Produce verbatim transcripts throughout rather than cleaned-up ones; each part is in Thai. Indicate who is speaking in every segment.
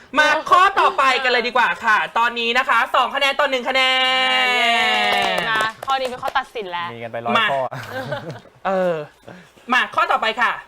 Speaker 1: มาข้อต่อไปกันเลยดีกว่าค่ะ ตอนนี้นะคะสองคะแนนต่อหนึ่งคะแนน
Speaker 2: นะข้อนี้เป็นข้อตัดสินแล้ว
Speaker 3: มีกันไปร้อยข้อ
Speaker 1: เออมาข้อต่อไปค่ะ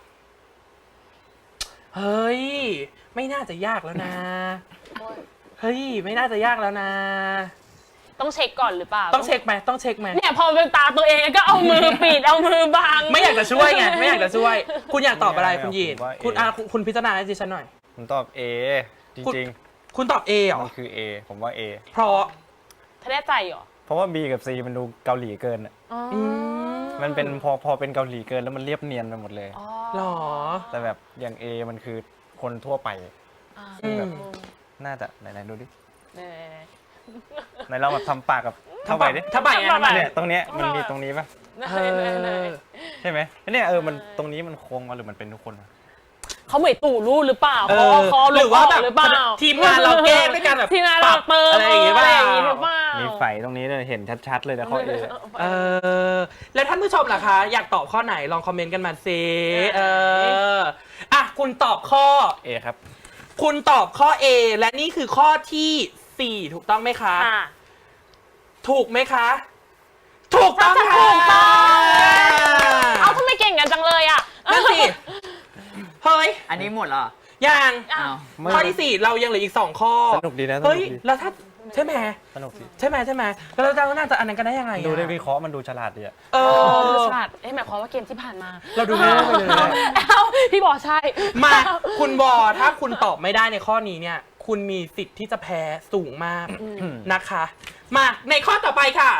Speaker 1: เฮ้ยไม่น่าจะยากแล้วนะเฮ้ยไม่น่าจะยากแล้วนะ
Speaker 2: ต้องเช็คก่อนหรือเปล่า
Speaker 1: ต้องเช็คไหมต้องเช็คไหม
Speaker 2: เนี่ยพอเป็นตาตัวเองก็เอามือปิดเอามือบัง
Speaker 1: ไม่อยากจะช่วยไงไม่อยากจะช่วย คุณอยากตอบอะไร
Speaker 3: ไม่
Speaker 1: คุณ
Speaker 3: เอา
Speaker 1: ยีน
Speaker 3: ผมว่า A
Speaker 1: คุณอาคุณคุณพิจารณาให้ดิฉันหน่อย
Speaker 3: ผมตอบ A จ
Speaker 1: คุณ
Speaker 3: ริง
Speaker 1: คุณตอบ A เหร
Speaker 3: ๆ
Speaker 1: อ
Speaker 3: มันคือ A ผมว่า A
Speaker 1: เพราะ
Speaker 2: เธอแน่ใจเหรอ
Speaker 3: เพราะว่า B กับ C มันดูเกาหลีเกินอะ
Speaker 2: อ๋อ
Speaker 3: มันเป็นพอพอเป็นเกาหลีเกินแล้วมันเรียบเนียนไปหมดเลย
Speaker 2: อ๋อ
Speaker 1: หรอ
Speaker 3: แต่แบบอย่าง A มันคือคนทั่วไป
Speaker 2: อ่า
Speaker 1: อืม
Speaker 3: น่าจะไหนๆดูดิ
Speaker 2: เนี่ย
Speaker 3: ไหนเราแบบทำปากกับเท่าไปดิ
Speaker 1: ถ้าใบนะถ้าใบ
Speaker 3: เนี่ยตรงเนี้ยมันมีตรงนี้ป่ะ
Speaker 1: เออ
Speaker 3: ใช่ไหมเนี่ยเออมันตรงนี้มันโค้งมาหรือมันเป็นทุกคนวะ
Speaker 2: เขาเหมือนตู่รูดหรือเปล่า
Speaker 1: เอ
Speaker 2: เขา
Speaker 1: อ
Speaker 2: เอาคอ
Speaker 1: หรือว่าแบบ
Speaker 2: หรือเปล่า
Speaker 1: ทีมงานเราแกล้งด้วยกันแบบ
Speaker 2: ทีมงานเรา
Speaker 1: ปรับ
Speaker 2: เติม
Speaker 1: อะไรอย่างงี้
Speaker 2: อะไร
Speaker 1: ป่ะ
Speaker 2: อย่างงี้หรือเปล่า
Speaker 3: มีไฟตรงนี้เลยเห็นชัดๆเลยนะข้อ A
Speaker 1: เออแล้วท่านผู้ชมล่ะคะ อยากตอบข้อไหนลองคอมเมนต์กันมาสิเอออ่ะคุณตอบข้อ
Speaker 3: A ครับ
Speaker 1: คุณตอบข้อ A และนี่คือข้อที่สี่ถูกต้องไหมคะ
Speaker 2: อ่ะ
Speaker 1: ถูกไหมคะ ถูกต้องค่ะ
Speaker 2: ถูกต้อง เอาทำไมเก่งกันจังเลยอ่ะ
Speaker 1: นั่นสิเฮ้ย
Speaker 4: อันนี้หมดเหรอ
Speaker 1: ยัง
Speaker 2: อ้าว
Speaker 1: ข้อที่สี่เรายังเหลืออีกสองข้อ
Speaker 3: สนุกดีนะสนุ
Speaker 1: เฮ้ย
Speaker 3: กดี
Speaker 1: แล้วถ้าใช่ไหม
Speaker 3: สนุกดี
Speaker 1: ใช่ไหมใช่ไหมแล้วเราน่าจะอันนั้นกันได้ยังไงอะ
Speaker 3: ดูได้วิเคราะห์มันดูฉลาดดีอะ
Speaker 1: เอ
Speaker 2: เออ
Speaker 1: อ
Speaker 2: ฉลาดเอ๊ะหมายความว่าเกมที่ผ่านมา
Speaker 1: เราดูไม่ได้ไปเลย
Speaker 2: เอ้าพี่บอกใช่
Speaker 1: มาคุณบอถ้าคุณตอบไม่ได้ในข้อนี้เนี่ย คุณมีสิทธิ์ที่จะแพ้สูงมากนะคะ มาในข้อต่อไปค่ะ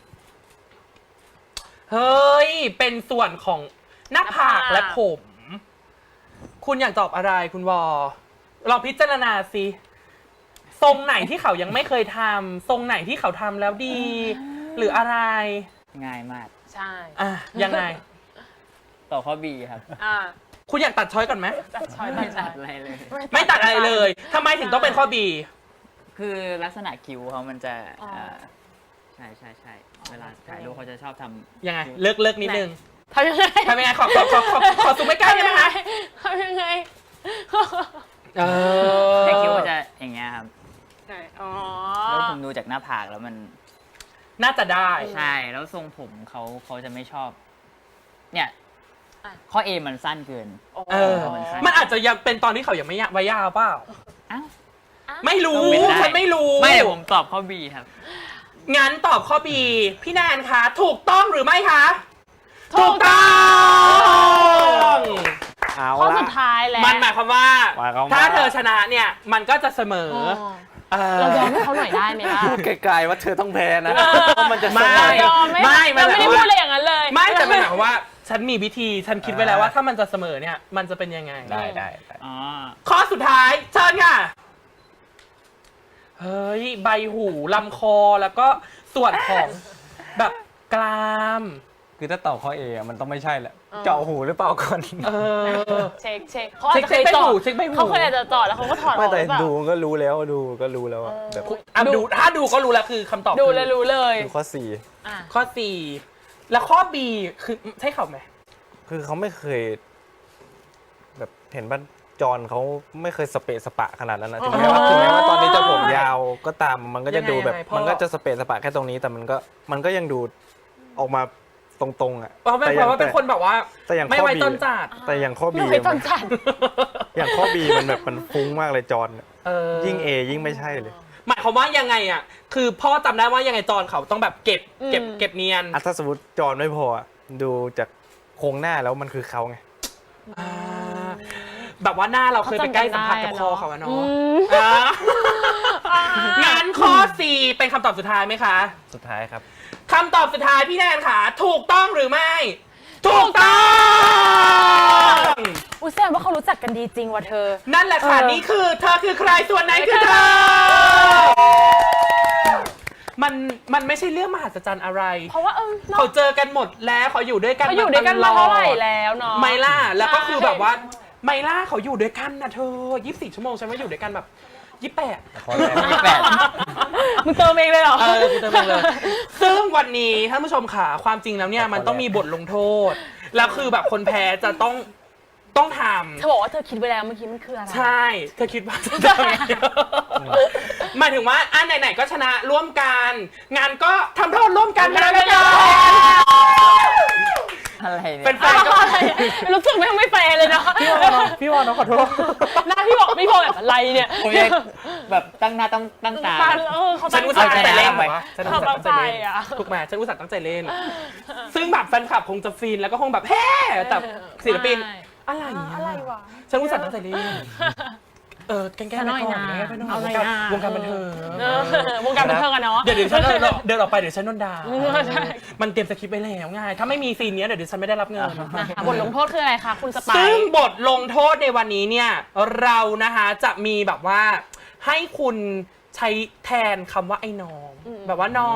Speaker 1: เฮ้ย เป็นส่วนของหน้าผากและผม คุณอยากตอบอะไรคุณวอลองพิจารณาสิทรงไหนที่เขายังไม่เคยทำทรงไหนที่เขาทำแล้วดี หรืออะไร
Speaker 4: ง่ายมาก
Speaker 2: ใช่
Speaker 1: อ่ะยังไง
Speaker 4: ต่อข้อ B ครับ
Speaker 2: อ่า
Speaker 1: คุณอยากตัดช้อยก่อนไหม
Speaker 2: ตัดช้อย
Speaker 4: ไม่
Speaker 2: ตัดช้
Speaker 4: ตั
Speaker 2: อ
Speaker 4: ด
Speaker 2: ย
Speaker 4: อะไรเลย
Speaker 1: ไม่ตัดอะไรเลยทำไมถึงต้องเป็นข้อ B
Speaker 4: คือลักษณะคิ้วเขามันจะ
Speaker 2: อ๋อ
Speaker 4: เอ่อใช่ใช่ใช่เวลาถ่ายรูปเขาจะชอบทำ
Speaker 1: ยังไง เลิกเลิกนิดนึง
Speaker 2: ทำยังไง
Speaker 1: ทำยังไงขอขอขอขอขอซูมไม่ใกล้ได้ไหมคะ
Speaker 2: ทำยังไง
Speaker 1: เออ
Speaker 4: แต่คิ้วมันจะอย่างเงี้ยครับ
Speaker 2: ไหนอ๋อ
Speaker 4: แล้วผมดูจากหน้าผากแล้วมัน
Speaker 1: น่าจะได้
Speaker 4: ใช่แล้วทรงผมเขาเขาจะไม่ชอบ เนี่ยข้อ A มันสั้นเกิน
Speaker 1: เออ มันอาจจะยังเป็นตอนที่เขายังไม่ยะไว้ยาวเปล่า
Speaker 4: อ้าว
Speaker 1: ไม่รู้
Speaker 4: ต้องเป็นได้
Speaker 1: ฉันไม่รู้
Speaker 4: ไม่เดี๋ยวผมตอบข้อ B ครับ
Speaker 1: งั้นตอบข้อ B พี่แนนคะ ถูกต้องหรือไม่คะ
Speaker 2: ถูกต้อง
Speaker 3: เอา
Speaker 2: ข้อ
Speaker 3: ละ
Speaker 2: สุดท้ายแล้ว
Speaker 1: มันหมายความว่า
Speaker 3: หมายความว่า
Speaker 1: ถ้าเธอชนะเนี่ย มันก็จะเสมอ
Speaker 2: อ๋อ
Speaker 1: เออ
Speaker 2: เรายอมให้เขาหน่อยได้ไหมล่ะ
Speaker 3: พูดไกลๆว่าเธอต้องแพ้นะ
Speaker 2: เออ
Speaker 3: เพราะมันจะเส
Speaker 1: ไม่
Speaker 3: มอย
Speaker 2: อมไม่
Speaker 1: ไม่
Speaker 2: เราไม่ได้
Speaker 1: ไม่
Speaker 2: พูดอะไรอย่างนั้นเลย
Speaker 1: ไม่แต่มันหมายความว่า ฉันมีวิธี ฉันคิดไว้แล้วว่าถ้ามันจะเสมอเนี่ย มันจะเป็นยังไง
Speaker 3: ได้ได้ได้
Speaker 4: อ๋อ
Speaker 1: ข้อสุดท้ายเชิญค่ะ เฮ้ย ใบหูลำคอแล้วก็ส่วนของแบบกราม
Speaker 3: คือถ้าตอบข้อ A อะมันต้องไม่ใช่แหละ
Speaker 2: เออ
Speaker 3: เจาะหูหรือเปล่าก่อน
Speaker 1: เออ
Speaker 2: เช็คเช็คเขาอาจจะเคย
Speaker 1: เช็คใบ
Speaker 2: จอ
Speaker 1: หู
Speaker 2: ด
Speaker 1: เช็คใบหู
Speaker 2: เขาเคยอาจจะจอดแล้วเขาก็ถอดอ
Speaker 3: ไม่
Speaker 2: อกห
Speaker 3: แต่
Speaker 2: รือเปล่า
Speaker 3: ดูก็รู้แล้วดูก็รู้แล้วอะแบบ
Speaker 1: อ่ะดูถ้าดูก็รู้แล้วคือคำตอบ
Speaker 2: ดู
Speaker 1: คือ
Speaker 2: เลยรู้เลย
Speaker 3: ดูข้อ C
Speaker 2: อ่ะ
Speaker 1: ข้อ C แล้วข้อ B คือใช่เขาไหม
Speaker 3: คือเขาไม่เคย แบบเห็นบ้านจอนเขาไม่เคยสเปะสปะขนาดนั้นนะถึงแม้ว่าถึงแม้ว่าตอนนี้จะผมยาวก็ตามมันก็จะดูแบบมันก็จะสเปะสปะแค่ตรงนี้แต่มันก็มันก็ยังดูออกมาตรงๆอ่ะ
Speaker 1: เพราะเป็นเพราะว่าเป็นคนแบบว่า
Speaker 3: แต่อย่าง
Speaker 1: ไม่
Speaker 3: ข้อ
Speaker 1: ไว้
Speaker 3: B
Speaker 1: ต้นจัด
Speaker 3: แต่อย่างข้อ B
Speaker 2: ไม่เคยต้นจัด
Speaker 3: อย่างข้อ B มันแบบมันฟุ้งมากเลยจอนอะ
Speaker 1: เออ
Speaker 3: ยิ่ง A ยิ่งไม่ใช่เลย
Speaker 1: หมายความว่ายังไงอ่ะ คือพ่อจำได้ว่ายังไงจอนเขาต้องแบบเก็บ
Speaker 2: อืม
Speaker 1: เก็บเก็บเนียน
Speaker 3: อ่ะถ้าสมมติจอนไม่พออะดูจากโครงหน้าแล้วมันคือเขาไง
Speaker 1: อ่าแบบว่าหน้าเราเคยไปใกล้สัมผัสกับคอเขาอะ
Speaker 2: อื
Speaker 1: เนาะ
Speaker 2: ม
Speaker 1: อ่างั้นข้อ C เป็นคำตอบสุดท้ายไหมคะ
Speaker 3: สุดท้ายครับ
Speaker 1: คำตอบสุดท้ายพี่แนนค่ะ ถูกต้องหรือไม่ ถูกต้อง
Speaker 2: อุ้ยแสดงว่าเขารู้จักกันดีจริงว่ะเธอ
Speaker 1: นั่นแหละค่ะ
Speaker 2: เออ
Speaker 1: นี่คือเธอคือใครส่วนไหนคือเธอ มันมันไม่ใช่เรื่องมหัศจรรย์อะไร
Speaker 2: เพราะว่าเออเนอะ
Speaker 1: เขาเจอกันหมดแล้วเขาอยู่ด้วยกัน
Speaker 2: เขาอยู่ด้วยกันมาเท่าไหร่แล้วเนาะ
Speaker 1: ไมล่าแล้วก็คือ
Speaker 2: ใช่
Speaker 1: แบบว่าไมล่าเขาอยู่ด้วยกันนะเธอยี่สิบสี่ชั่วโมงฉันว่าอยู่ด้วยกันแบบยี่สิบแปด
Speaker 3: ข้อแรก
Speaker 4: ยี่สิบแปด
Speaker 2: มึงเติมเองเลยเหรอ
Speaker 1: เออกูเติมเองเลย ซึ่งวันนี้ท่านผู้ชมค่ะความจริงแล้วเนี่ยมันต้องมีบทลงโทษ แล้วคือแบบคนแพ้จะต้องต้องท
Speaker 2: เธอบอกว่าเธอคิดไว้แล้วเมื่อกี้มันคืออะไร
Speaker 1: ำใช่ เธอคิดว่าจะทำไงหมายถึงว่าอ่ะไหนๆก็ชนะร่วมกัน งานก็ทำโทษร่วมกันนะแล้วกัน
Speaker 4: อะไรเนี่ย
Speaker 1: เป็นแฟนก็
Speaker 2: รู้สึกไม่ไม่แฟร์เลยเนาะ
Speaker 1: พี่วอน้องพี่วอน้องขอโทษ
Speaker 2: หน้าพี่บอกพี่บอกแบบอะไรเนี่ย
Speaker 4: ผมยังแบบตั้งหน้าตั้งตั้งตา
Speaker 2: เออเขา
Speaker 1: ฉั
Speaker 2: ตั้
Speaker 1: น
Speaker 2: ง
Speaker 1: อุต
Speaker 2: ใจ
Speaker 1: ส่าห์ตั้งใจเล่น
Speaker 4: ไป
Speaker 1: ฉันอุตส่าห์ตั้งใจเล่น
Speaker 2: เขาตั้งใจอะ
Speaker 1: ถูกไหมฉันอุตส่าห์ตั้งใจเล่น ซึ่งแบบแฟนคลับคงจะฟินแล้วก็คงแบบเฮ้แต่ศิลปิน อะไรอ่ะ
Speaker 2: อะไรวะ
Speaker 1: ฉันอุตส่าห์ตั้งใจเล่นเออแกล้งๆไป
Speaker 2: ซะหน่อย
Speaker 1: ก่อน
Speaker 2: นะ
Speaker 1: แกล้งๆไปหน่อย
Speaker 2: เอาหน่อยว
Speaker 1: งการ
Speaker 2: นะ
Speaker 1: วงการบันเทิง
Speaker 2: เออวงการบันเทิงอะเนาะ
Speaker 1: เดี๋ยวเดี๋ยวฉันเดินเดินออกไปเดี๋ยวฉันโดนด่า
Speaker 2: เออใช่
Speaker 1: มันเตรียมสคริปต์ไว้แล้วไงถ้าไม่มีซีนเนี้ยเดี๋ยวฉันไม่ได้รับเงิน
Speaker 2: อ่ะบทลงโทษคืออะไรคะคุณสไป
Speaker 1: ซึ่ง
Speaker 2: ซ์
Speaker 1: บทลงโทษในวันนี้เนี่ยเรานะคะจะมีแบบว่าให้คุณใช้แทนคำว่าไอ้น้อง แบบว่าน้อง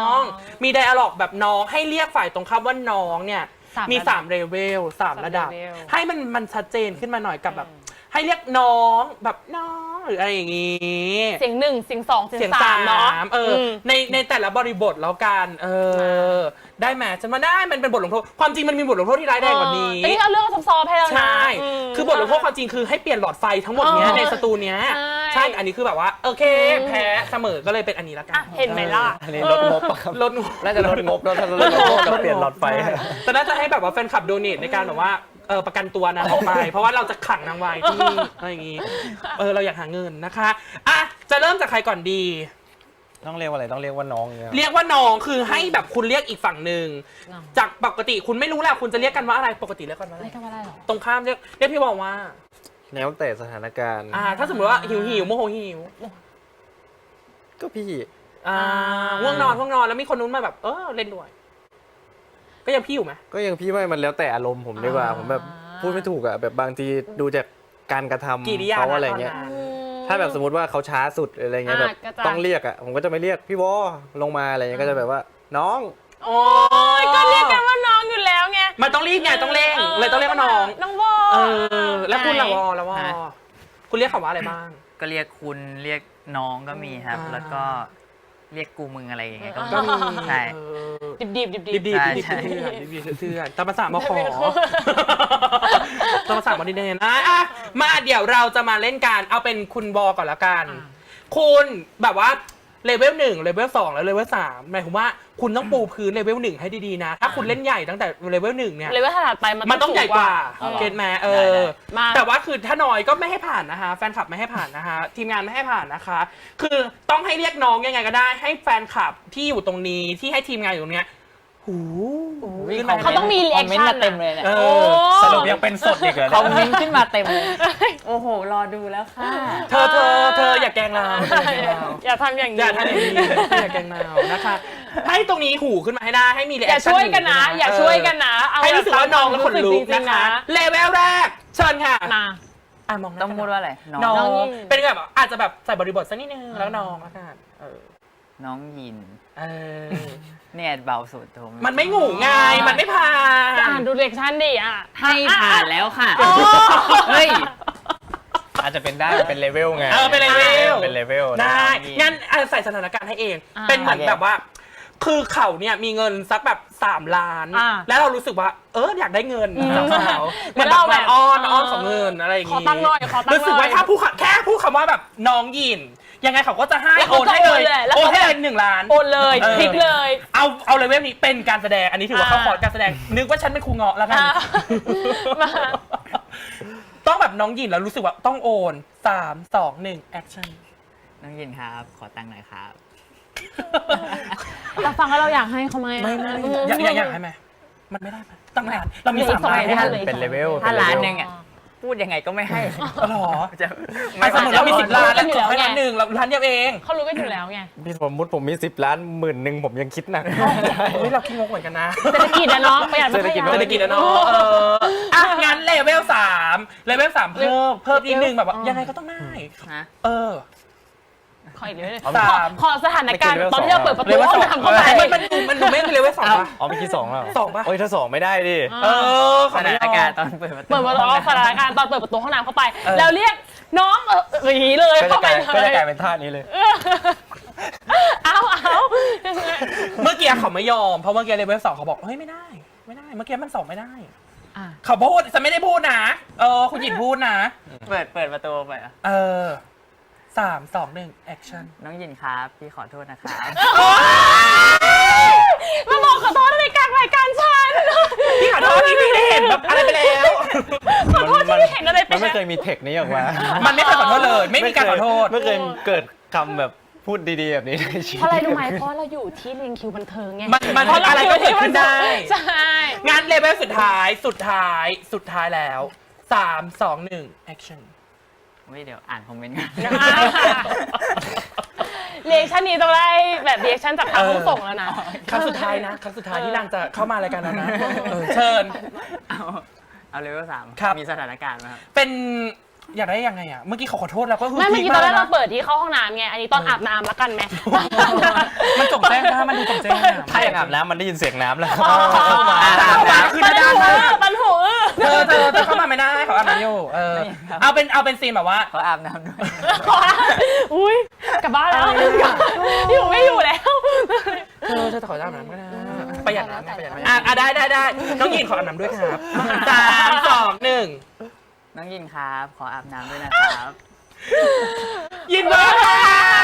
Speaker 1: มีไดอะล็อกแบบน้องให้เรียกฝ่ายตรงข้ามว่าน้องเนี่ยมีสามเลเวลสามระดับ ให้มันมันชัดเจนขึ้นมาหน่อยกับแบบ ให้เรียกน้องแบบน้องหรืออะไรอย่างงี้
Speaker 2: เสียงหนึ่งเสียงสองเสียง
Speaker 1: เสียง
Speaker 2: สา
Speaker 1: สาม
Speaker 2: เนาะ
Speaker 1: เอออ
Speaker 2: ม
Speaker 1: ในในแต่ละบริบทแล้วกันเออได้ไหมฉันว่าได้มันเป็นบทลงโทษความจริงมันมีบทลงโทษที่ร้ายแรงกว่านี้
Speaker 2: แต่นี่เอาเรื่องซอฟๆให้แล้วนะ
Speaker 1: ใช่
Speaker 2: ม
Speaker 1: คือบทลงโทษความจริงคือให้เปลี่ยนหลอดไฟทั้งหมดเนี้ย
Speaker 2: เออ
Speaker 1: ในสตูเนี้ย
Speaker 2: ใช่
Speaker 1: ใช่ อันนี้คือแบบว่าโอเค แพ้เสมอ ก็เลยเป็นอันนี้ละกั
Speaker 2: อ่ะ
Speaker 1: น
Speaker 2: เห็นไหมล่ะ
Speaker 3: อันนี้ลดงบอะครับ
Speaker 1: ลดงบ
Speaker 3: น่าจะลดงบแล้วถ้าลดงบก็เปลี่ยนหลอดไฟ
Speaker 1: แต่น่าจะให้แบบว่าแฟนคลับโดเนทในการแบบว่าเออประกันตัวนางออกไป เพราะว่าเราจะขังนางไว้ที่นี่อะไรอย่างงี้ เออเราอยากหาเงินนะคะอ่ะจะเริ่มจากใครก่อนดี
Speaker 3: ต้องเรียกว่าอะไรต้องเรียกว่าน้องอย่างเงี้ย
Speaker 1: เรียกว่าน้องคือให้แบบคุณเรียกอีกฝั่งหนึ่ง
Speaker 2: น้อง
Speaker 1: จากปกติคุณไม่รู้แหละคุณจะเรียกกันว่าอะไรปกติเรียกกันว่าอะไร
Speaker 2: ไม่ทำอะไรหรอ
Speaker 1: ตรงข้ามเรียกเรียกพี่บอกว่า
Speaker 3: แล้วแต่สถานการณ์
Speaker 1: อ่า ถ้าสมมติว่าหิวหิวโมโหหิว
Speaker 3: ก็พี่
Speaker 1: อ่าง่วงนอนง่วงนอนแล้วมีคนนู้นมาแบบเออเล่นด้วย ก็ยังพี่อยู่ไหม
Speaker 3: ก็ยังพี่ไม่มันแล้วแต่อารมณ์ผมดีกว่า
Speaker 1: อ่า
Speaker 3: ผมแบบพูดไม่ถูกอะแบบบางทีดูจากการกระทำ
Speaker 1: กิริยา
Speaker 3: เขาอะไรเงี้ย
Speaker 1: ตนนั้น
Speaker 3: ถ้าแบบสมมติว่าเขาช้าสุดอะไรเงี้ย
Speaker 2: อ่า
Speaker 3: แบบ
Speaker 2: ก็จะ
Speaker 3: ต้องเรียกอะผมก็จะไม่เรียกพี่วอลงมาอะไรเงี้ยก็จะแบบว่าน้อง
Speaker 1: โอ้
Speaker 2: โอ้ยก็เรียกกันว่าน้องอยู่แล้วไง
Speaker 1: มันต้องรีบไงต้องเร่งเลยต้องเรียกว่าน้อง
Speaker 2: น้องโบ
Speaker 1: เออ แล้วคุณละวอละวอ
Speaker 4: ฮะ
Speaker 1: คุณเรียกคำว่าอะไรบ้าง
Speaker 4: ก็เรียกคุณเรียกน้องก็มีครับ
Speaker 1: อ่า
Speaker 4: แล้วก็เรียกกูมึงอะไรอย่างเงี้ยก็มี
Speaker 1: ก็มี
Speaker 4: ใช่
Speaker 1: เออ
Speaker 2: ดิบดิบดิบ
Speaker 1: ดิบดิบ
Speaker 4: ใช่
Speaker 1: ดิบ
Speaker 4: ใช่
Speaker 1: เถื่อนดิบดิบเถื่อนตามภาษามาขอ
Speaker 2: ไม่ขอ
Speaker 1: ตามภาษามาดิเดนอ่ะอ่ะมาเดี๋ยวเราจะมาเล่นกันเอาเป็นคุณวอก่อนละกัน คุณแบบว่าเลเวลหนึ่งเลเวลสองแล้วเลเวลสามหมายความว่าคุณต้องปูพื้นเลเวลหนึ่งให้ดีๆนะ ถ้าคุณเล่นใหญ่ตั้งแต่เลเวลหนึ่งเนี่ย
Speaker 2: เลยว่าถัดไปมัน
Speaker 1: มันต้องใหญ่กว่า
Speaker 2: สูง
Speaker 1: เก็ตแมเอ
Speaker 4: ได้
Speaker 1: อ
Speaker 4: ได้
Speaker 2: มา
Speaker 1: แต่ว่าคือถ้าน้อยก็ไม่ให้ผ่านนะคะแฟนคลับไม่ให้ผ่านนะคะทีมงานไม่ให้ผ่านนะคะ คือต้องให้เรียกน้องยังไงก็ได้ ให้แฟนคลับที่อยู่ตรงนี้ที่ให้ทีมงานอยู่ตรงเนี้ยหู ขึ้นมา
Speaker 2: เขาต้องมีรี
Speaker 4: ค
Speaker 2: แอ
Speaker 4: อม
Speaker 2: ค
Speaker 4: เมนต์
Speaker 2: ชั่
Speaker 4: มาน เต็มเลยเนี่ย
Speaker 1: เอ
Speaker 2: โอ้
Speaker 1: อ
Speaker 3: สรุปยังเป็นสดอีกเหรอ
Speaker 4: คอม
Speaker 3: เนี่ย
Speaker 4: เมนต์ขึ้นมาเต็มเลย โอ้โห รอดูแล้วค่ะ
Speaker 1: เธอเธอเธออย่าแกล้งเราเธออย่าแกล้งเรา
Speaker 2: อย่าทำอย่าง
Speaker 1: อ
Speaker 2: นี้
Speaker 1: ย่าทำอย่างนี้อย่าแกล้งเรานะคะให้ตรงนี้หูขึ้นมาให้ได้ให้มี
Speaker 2: อย่าช่วยกันนะ อย่าช่วยกันนะเอา
Speaker 1: ให้รู้สึกว่าน้องแล้วขนลุก
Speaker 2: จริ
Speaker 1: นะ
Speaker 2: งๆ
Speaker 1: คะเลเวลแรกเชิญค่ะ
Speaker 2: มา
Speaker 1: อ่ะมองหน้
Speaker 4: ต้องพูดว่าอะไร น้อง
Speaker 1: น้อ
Speaker 2: น้อง
Speaker 1: ง
Speaker 2: ยิน
Speaker 1: เป็นแบบอาจจะแบบใส่บริบทสักนิดนึงแล้วน้องละกันเออ
Speaker 4: น้องยิน
Speaker 1: เออ
Speaker 4: เนี่ยเบาสุดผม
Speaker 1: มันไม่งูไงมันไม่ผ่า
Speaker 2: อ่าน นดูเด็กชันดิอ่ะ
Speaker 4: ให้ผ่านแล้วค่ะ
Speaker 2: โอ้
Speaker 4: เฮ้ย
Speaker 3: อาจจะเป็นได้เป็นเลเวลไง
Speaker 1: เออเป็นเลเวล
Speaker 3: เป็นเลเวลนะ
Speaker 1: ได้
Speaker 4: ได้
Speaker 1: งั้นอ่ะใส่สถานการณ์ให้เอง
Speaker 2: อ่า
Speaker 1: เป็นเหมือน
Speaker 4: โอเค
Speaker 1: แบบว่า คือเขาเนี่ยมีเงินสักแบบสามล้าน
Speaker 2: อ่า
Speaker 1: แล้วเรารู้สึกว่า เอออยากได้เงิน
Speaker 2: อืม
Speaker 1: จากเขาเหมือน
Speaker 2: แล้ว
Speaker 1: แบบ
Speaker 2: เราแบบ
Speaker 1: มาอ้อน
Speaker 2: เออ
Speaker 1: อ้อนของเงินอะไรอย่าง
Speaker 2: ขอตังค์หน่อยขอตังค์หน่อย
Speaker 1: รู้สึกว่าถ้าพูดแค่พูดคำว่าแบบน้องยิน ยังไงเขาก็จะให้
Speaker 2: แล้ว
Speaker 1: โอ
Speaker 2: เขา
Speaker 1: นให้เลย
Speaker 2: โอนเลยแล้ว
Speaker 1: โอน
Speaker 2: เขา
Speaker 1: ให้เลยหนึ่งล้าน
Speaker 2: โอนเลย
Speaker 1: เออ
Speaker 2: พลิกเลย
Speaker 1: เอาเอาเลเวลนี้เป็นการแสดงอันนี้ถือว่าเข้า
Speaker 2: อ่า
Speaker 1: คอร์สการแสดงนึกว่าฉันเป็นครูเงาะแล้วกัน
Speaker 2: อ่ามา
Speaker 1: ต้องแบบน้องหยินแล้วรู้สึกว่าต้องโอนสามสองหนึ่งแอคชั่น
Speaker 4: น้องยินครับ ขอตังค์หน่อยครับ
Speaker 2: เราฟังแล้วเราอยากให้เขาไหม
Speaker 1: ไม่ไม่อยากอยากอยากให้ไหมมันไม่ได้ไหมตั้งนานเรามีสามล้าน
Speaker 2: เหลืออีกสอง
Speaker 1: ไม่
Speaker 2: ล้าน
Speaker 1: ได้
Speaker 3: เป็นเลเวล
Speaker 4: ถ้า
Speaker 3: เป็
Speaker 4: ล้าน
Speaker 3: เลเวล
Speaker 4: หนึ่งอ่ะ พูดยังไงก็ไม่ให้
Speaker 1: หรอ
Speaker 4: จะ
Speaker 1: ไม่สมมติเรามีสิบล้านแล้ว
Speaker 2: อยู่แล้ว
Speaker 1: ให้
Speaker 2: ไง
Speaker 1: ล้านหนึ่งเราล้านเดียวเอง
Speaker 2: เขารู้กันอยู่แล้วไง
Speaker 3: พี่สมมติผมมีสิบล้านหมื่นหนึ่งผมยังคิดหนัก
Speaker 1: เฮ้ยเราคิดงกเหมือนกันนะ
Speaker 2: เศรษฐกิจนะเนาะประหยัดไม่ขยัน
Speaker 1: เศรษฐกิจอะเนาะเอออ่ะงั้นเลเวลสามเลเวลสามเพิ่มเพิ่มอีกหนึ่งแบบว่า
Speaker 2: อ๋อ
Speaker 1: ยังไงก็ต้องได้
Speaker 4: ฮะ
Speaker 1: เออ
Speaker 2: ขออีกเลย
Speaker 1: สาม
Speaker 2: ขอสถานการณ์
Speaker 3: ไม่
Speaker 2: ตอนที่เราเปิดประ
Speaker 1: เล
Speaker 2: ตู
Speaker 1: เวล
Speaker 2: ห้
Speaker 1: ส
Speaker 2: อ
Speaker 1: อง ง
Speaker 2: น้ำเข้าไป
Speaker 1: มันมันดูมันดูไม่เลเวลสองปะ
Speaker 3: อ๋อเมื่อกี้สองแล้ว
Speaker 1: สองปะ
Speaker 3: โอ้ยถ้าสองไม่ได้ดิ
Speaker 1: เออข
Speaker 4: ส
Speaker 1: อไม่
Speaker 4: ถาน
Speaker 1: ยอ
Speaker 4: การ
Speaker 1: ม
Speaker 4: ณ์ตอนเปิดประตู
Speaker 2: เปิดประตูสถานการณ์ตอนเปิดประตูห้องน้ำเข้าไป
Speaker 1: เออ
Speaker 2: แล้วเรียกน้องเอออย่างนี้เลย
Speaker 3: ก็จะ
Speaker 2: เข้าก ไป
Speaker 3: ลายก็
Speaker 2: เล
Speaker 3: จะ
Speaker 2: ย
Speaker 3: กลายเป็นท่านี้เลย
Speaker 2: เอาเอา
Speaker 1: เมื่อกี้เขาไม่ยอมเพราะเมื่อกี้เลเวลสองเขาบอกเฮ้ยไม่ได้ ไม่ได้ เมื่อกี้มันสองไม่ได้
Speaker 2: อ่ะ
Speaker 1: เขาพูดฉันไม่ได้พูดนะ เออ คุณหยินพูดนะ
Speaker 4: เปิดเปิดประตูไปอ่ะ
Speaker 1: เออสามสองหนึ่งแอคชั่น
Speaker 4: น้องยินครับพี่ขอโทษนะครับ
Speaker 2: มาบอกขอโทษในกลางรายการฉัน
Speaker 1: พี่ขอโทษที่พี่ได้เห็นแบบอะไรไปแล้ว
Speaker 2: ขอโทษที่ไม่เห็นอะไรไป
Speaker 3: มันไม่
Speaker 2: แล้ว
Speaker 3: เคยมีเทคนี้ออกมา
Speaker 1: มันไม่เคยขอโทษเลย ไม่มีการขอโทษ
Speaker 3: ไม่เคยเกิดคำแบบพูดดีๆแบบนี้ในชีวิต
Speaker 2: เพราะอะไรรู้ไหมเพราะเราอยู่ที่เรียงคิวบันเทิงไง
Speaker 1: มันมัน
Speaker 2: เพราะเรา
Speaker 1: อะไรก็เกิดขึ้นได้
Speaker 2: ใช่
Speaker 1: งานเลเวลสุดท้ายสุดท้ายสุดท้ายแล้วสามสองหนึ่งแอคชั่น
Speaker 4: เฮ้ยเดี๋ยวอ่านคอมเมนต์กัน
Speaker 2: เรียกชันนี้ต้องได้แบบเรียกชันจากทางผู้ส่งแล้วนะ
Speaker 1: ครั้งสุดท้ายนะครั้งสุดท้ายที่นางจะเข้ามารายการเรานะเออเชิญ
Speaker 4: เอาเอาเลเวลสาม
Speaker 1: ครับ
Speaker 4: มีสถานการณ์ไหมครับ
Speaker 1: เป็นอยากได้ยังไงอ่ะ เมื่อกี้เขาขอโทษแล้วก็คือ
Speaker 2: ไม่เมื่อกี้
Speaker 1: พี
Speaker 2: ตอนแรก
Speaker 1: มา
Speaker 2: เรา
Speaker 1: นะ
Speaker 2: เปิดที่เข้าห้องน้ำไง อันนี้ตอนอาบน้ำแล้วกันไหม
Speaker 1: มันจงแจ้งนะมันดูจงแจ้งนะ
Speaker 3: ถ้าอย่างอาบน้ำมันได้ยินเสียงน้ำแล้ว
Speaker 1: เข้ามาเข้ามาคือ
Speaker 2: ปัน
Speaker 1: ด้าน
Speaker 2: หู
Speaker 1: มาก
Speaker 2: ปันหู
Speaker 1: เธอเธอเธอเข้ามาไม่ได้เขาอาบน้ำอยู่เออเอาเป็นเอาเป็นซีนแบบว่า
Speaker 4: เขาอาบน้ำด้วย
Speaker 2: อุ้ยกลับบ้านแล้วอยู่ไม่อยู่แล้ว
Speaker 1: เธอเธอขออาบน้ำก็ได้ประหยัดน้ำไงประหยัดน้ำอ่ะอ่ะได้ได้ได้น้องยินขออาบน้ำด้วยครับสามสองหนึ่ง
Speaker 4: น้องยินครับ ขออาบน้ำด้วยนะครับ
Speaker 1: ยินดีค่ะ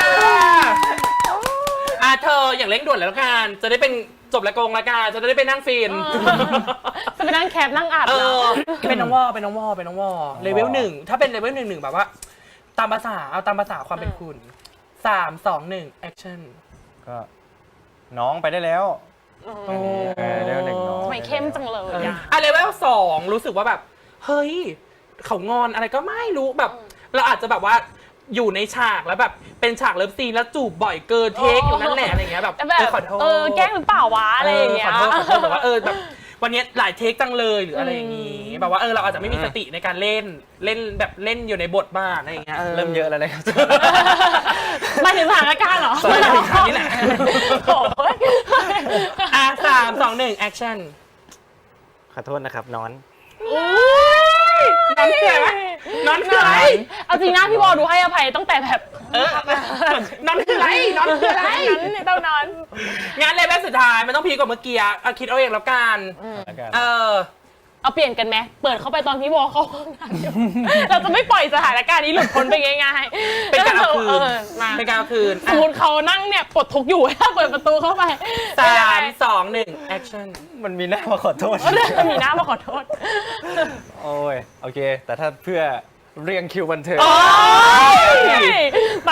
Speaker 1: อ่ะเธออย่างเร่งด่วนแล้วกันจะได้เป็นจบละกงละกันจะได้ไปนั่งฟิน
Speaker 2: จะไปนั่งแคปนั่งอาบ
Speaker 1: เอ
Speaker 2: น้
Speaker 1: อเป็นน้องวอเป็นน้องวอเป็นน้องวอเลเวลหนึ่งถ้าเป็นเลเวลหนึ่งหนึ่งแบบว่า ตามภาษาเอาตามภาษาความเป็นคุณสามสองหนึ่งแอคชั่น
Speaker 3: ก็น้องไปได้แล้ว
Speaker 2: ำ
Speaker 3: เออเลเวลหนึ่งน้อง
Speaker 2: ทำไมเข้มจังเลยอ่ะ
Speaker 1: อ่ะเลเวลสองรู้สึกว่าแบบ เฮ้ย เขางอนอะไรก็ไม่รู้แบบ เราอาจจะแบบว่าอยู่ในฉากแล้วแบบเป็นฉากเลิฟซีนแล้วจูบบ่อยเกินเทคอยู่นั่นแหละอะไรเงี้ยแบบ
Speaker 2: แต่แบบ
Speaker 1: เออขอโทษ
Speaker 2: เออแกล้งหรือเปล่าวะอะไรอย่างเงี้ย
Speaker 1: ขอโทษขอโทษแบบว่าเออแบบวันนี้หลายเทคจังเลยหรืออะไรอย่างงี้แบบว่าเออเราอาจจะไม่มีสติในการเล่นเล่นแบบเล่นอยู่ในบทบ้างอะไรอย่างเงี้ย
Speaker 3: เริ่มเยอะแล้วนะครับ
Speaker 2: หมายถึงสถานการณ์เหรอ
Speaker 1: ไม่ถึงครั้งนี้แหละ
Speaker 2: โอ้ย
Speaker 1: อ่ะสามสองหนึ่งแอคชั่น
Speaker 3: ขอโทษนะครับนอน
Speaker 1: นอนคืออะไรวะนอนคืออะไร
Speaker 2: เอาจริงนะพี่บอลดูให้อภัยตั้งแต่แบบ
Speaker 1: เออนอนคืออะไรนอนคืออะไร
Speaker 2: นั้นเนี่ยต้องนอน
Speaker 1: งานเลเวลสุดท้ายมันต้องพีกว่าเมื่อกี้อ่ะคิดเอาเองแล้วกัน
Speaker 3: แล้วกัน
Speaker 1: เออ
Speaker 2: เอาเปลี่ยนกันไหมเปิดเข้าไปตอนพี่บอลเข้าห้องน้ำอยู่เราจะไม่ปล่อยสถานการณ์นี้หลุดพ้นไปง่ายๆ
Speaker 1: เป็นการเอาคืน
Speaker 2: ออมา
Speaker 1: เป็นการเอาคืน
Speaker 2: สมมติเขานั่งเนี่ยปลดทุกข์อยู่ ถ้าเปิดประตูเข้าไป
Speaker 1: สามสองหนึ่งแอคชั่น
Speaker 3: มันมีหน้ามาขอโทษ
Speaker 2: เออมีหน้ามาขอโทษ
Speaker 3: โอ้ยโอเค แต่ถ้าเพื่อเรียงคิวบันเทิง
Speaker 2: โอ้ยไป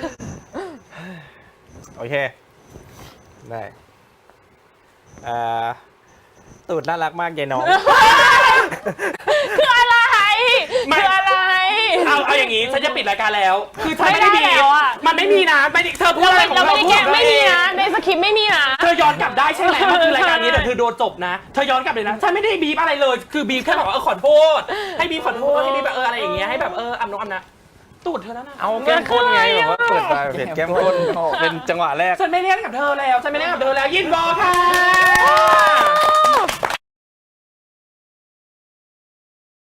Speaker 3: โอเค ได้อ่าตูดน่ารักมากยายน้อง
Speaker 2: คืออะไร
Speaker 1: ไม่
Speaker 2: คืออะไร
Speaker 1: เอาเอาอย่างงี้ฉันจะปิดรายการแล้ว คือฉันไม่ได้
Speaker 2: ไม่
Speaker 1: บี
Speaker 2: ได้แล้วอะ
Speaker 1: มันไม่มีนะไม่ได้เธอพูดอะไรของ
Speaker 2: เรา
Speaker 1: เรา
Speaker 2: ไม่ได้
Speaker 1: พู
Speaker 2: แกะ
Speaker 1: ของเรา
Speaker 2: ไม่มี
Speaker 1: เอง
Speaker 2: นะในสคริปต์ไม่มีนะ
Speaker 1: เธอย้อนกลับได้ใช่ไหมมันคือรายการนี้แต่เธอโดนจบนะ เธอย้อนกลับเลยนะ ฉันไม่ได้บีบอะไรเลย คือบีบแค่บอกว่าเออขอโทษ ให้บีบขอโทษ ให้บีบแบบเอออะไรอย่างเงี้ย ให้แบบเอออำนงอำนะ ตูดเธอแล้วนะ
Speaker 3: เอาแก้มก้นไงแบบว่าเปิดมาเห็นแก้มก้นเป็นจังหวะแรก
Speaker 1: ฉันไม่เล่นกับเธอแล้ว ฉันไม่เล่นกับเธอแล้ว ยินบอค่ะ